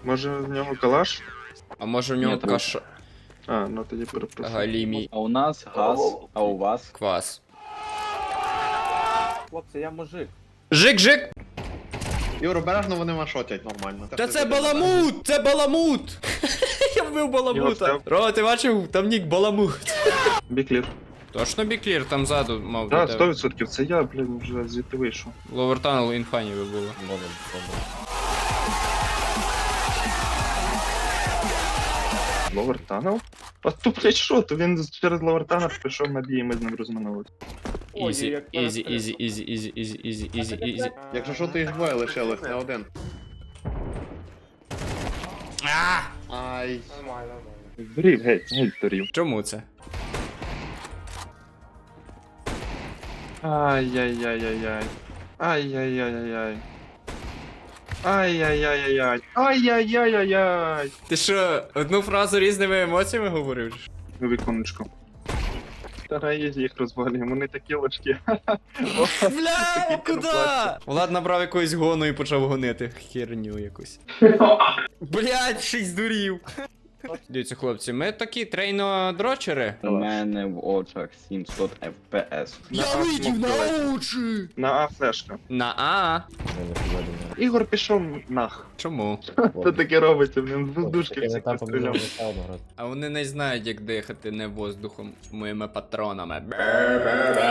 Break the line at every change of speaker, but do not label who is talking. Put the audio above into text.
Може в нього калаш?
А може в
Ні,
нього
трупи.
каша...
А, ну тоді перепрошую.
Галімій
А у нас газ, а у вас?
квас.
Хлопці, я мужик.
Жик-жик!
Юр, обережно вони машотять нормально.
Та це баламут! Це баламут! Я вбив
Його
баламута.
встав.
Рома, ти бачив? Там нік баламут.
Біклір.
Точно біклір там ззаду мав
Так,
бути.
100%. Це я, блін, вже звідти вийшов.
Ловертанел інфані би було.
Ловер Танел? А то, блядь, що? То він через Ловер Танел пішов на бій, і ми з ним розминулися.
Ізі, ізі, ізі, ізі, ізі, ізі, ізі, ізі, ізі.
Якщо що, то їх двоє лишилось, не один. Ай.
Дурів, геть дурів.
Чому це?
Ай-яй-яй-яй-яй. Ай-яй-яй-яй-яй. Ай-яй-яй-яй-яй. Ай-яй-яй-яй-яй.
Ти що, одну фразу різними емоціями говорив?
На віконечко. Стараюсь їх розвалюємо, вони такі важкі.
Бля, куди? Влад набрав якоїсь гону і почав гонити херню якусь. Блядь, ще й здурів. Дивіться, хлопці, ми такі трейно-дрочери.
У мене в очах 700 FPS.
Я видів на
очі!
На А флешка.
На А?
Ігор пішов нах.
Чому?
Що таке робиться? Блін, з воздушки всіх постріляв.
А вони не знають, як дихати не воздухом моїми патронами.